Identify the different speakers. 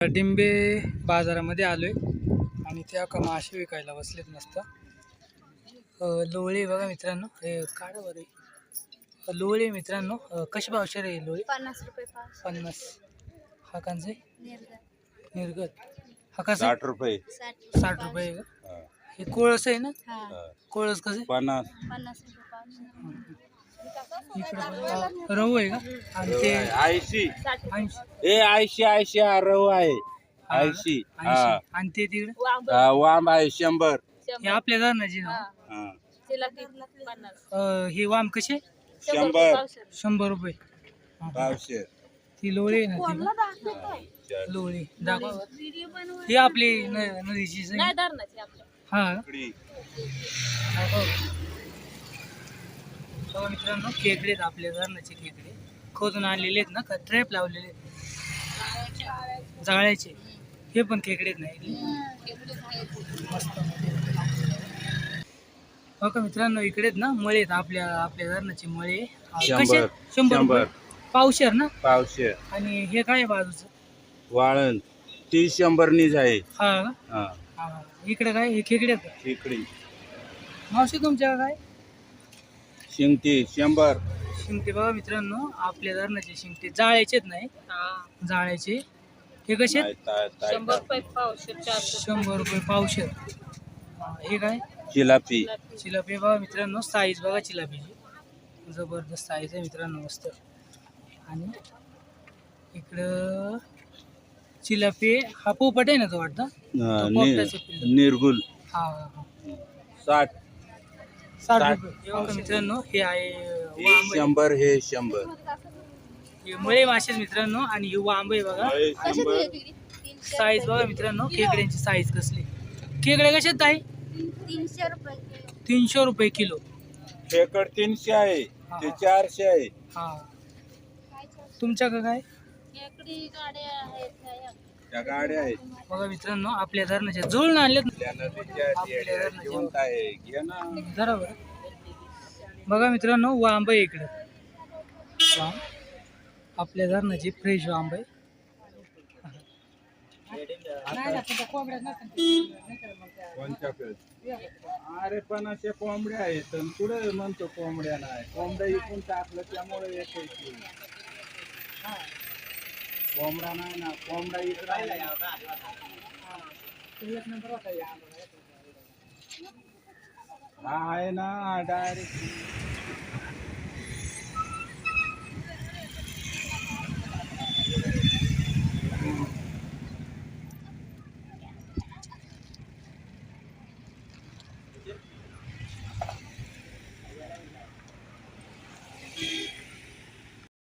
Speaker 1: डिंबे बाजारामध्ये आलोय आणि त्या का मासे विकायला बसलेत मस्त. लोळे बघा मित्रांनो, हे काढा बरं. लोळे मित्रांनो कशी पावशेर आहे लोळे?
Speaker 2: 50 रुपये पाव.
Speaker 1: 50. हा कांचे निर्गत हा
Speaker 3: 60 रुपये
Speaker 1: 60 रुपये आहे का? हे कोळस आहे ना? कोळस कसे?
Speaker 3: 50
Speaker 2: 50 रुपये पाव.
Speaker 1: इकडे रवू आहे का? आणि ते
Speaker 3: 80
Speaker 1: 80.
Speaker 3: हे 80 हा रव आहे 80 हा.
Speaker 1: आणि ते तिकडे
Speaker 3: वाम आहे 100
Speaker 1: हे आपल्या धरणाची ना.
Speaker 3: हा.
Speaker 1: हे वाम कसे?
Speaker 3: 100
Speaker 1: 100 रुपये
Speaker 3: पावशेर.
Speaker 1: ती लोळी आहे ना ती लोळी दाखवा. ही आपली नदीची हा दाखवा. मित्रांनो खेकडे आहेत आपल्या धरणाचे खेकडे खोदून आणलेले आहेत ना, ट्रॅप लावलेले आहेत जाळ्याचे. हे पण खेकडे नाही मस्त. हो का मित्रांनो, इकडेच ना मळे आहेत आपल्या धरणाचे मळे. कसे? 100 रुपये पावशेर ना
Speaker 3: पावशेर.
Speaker 1: आणि हे काय बाजूचं
Speaker 3: वाळण ती 100 नीच आहे.
Speaker 1: हा का?
Speaker 3: हा.
Speaker 1: हा. इकडे काय हे खेकडे आहेत का?
Speaker 3: इकडे
Speaker 1: मावशी तुमच्या काय
Speaker 3: शिंगटी 100
Speaker 1: शिंगटे बघा मित्रांनो, आपल्या धरणाचे शिंगटे जाळ्याचेच नाही, जाळ्याचे. हे कसे?
Speaker 2: 100 रुपये पावशेर.
Speaker 1: 100 रुपये पावशेर. हे काय?
Speaker 3: जिलापी.
Speaker 1: चिलापी बघा मित्रांनो, साईज बघा चिलापीची जबरदस्त साईज आहे मित्रांनो मस्त. आणि इकडं चिलापी हा पोपट आहे ना तो वाटतं,
Speaker 3: निर्गुल
Speaker 1: हा
Speaker 3: 60
Speaker 1: रुपये. हे बघा मित्रांनो, हे आहे वांब आहे.
Speaker 3: 100 हे 100
Speaker 1: हे मळे मासे मित्रांनो. आणि हे वांब आहे बघा. साईज बघा मित्रांनो, खेकड्यांची साईज कसली. खेकडे कसे ताई?
Speaker 2: 300 रुपये.
Speaker 1: 300 रुपये किलो.
Speaker 3: खेकड 300 आहे ते 400 आहे.
Speaker 1: हा. तुमच्याकडे काय?
Speaker 3: त्या गाड्या आहेत
Speaker 1: बघा मित्रांनो, आपल्या धरणाच्या जुळून आणलेत
Speaker 3: त्या नदीच्या जिवंत आहे. घे ना.
Speaker 1: बरोबर. बघा मित्रांनो, वांब आहे इकडं. वांब आपल्या धरणाची फ्रेश वांब आहे.
Speaker 3: अरे पण अशा कोंबड्या आहेत पुढे म्हणतो कोंबड्या नाही. कोंबड्या इकून टाकलं त्यामुळे येते. कोंबडा नाही ना, कोंबडा इकडे हा आहे ना डायरेक्ट.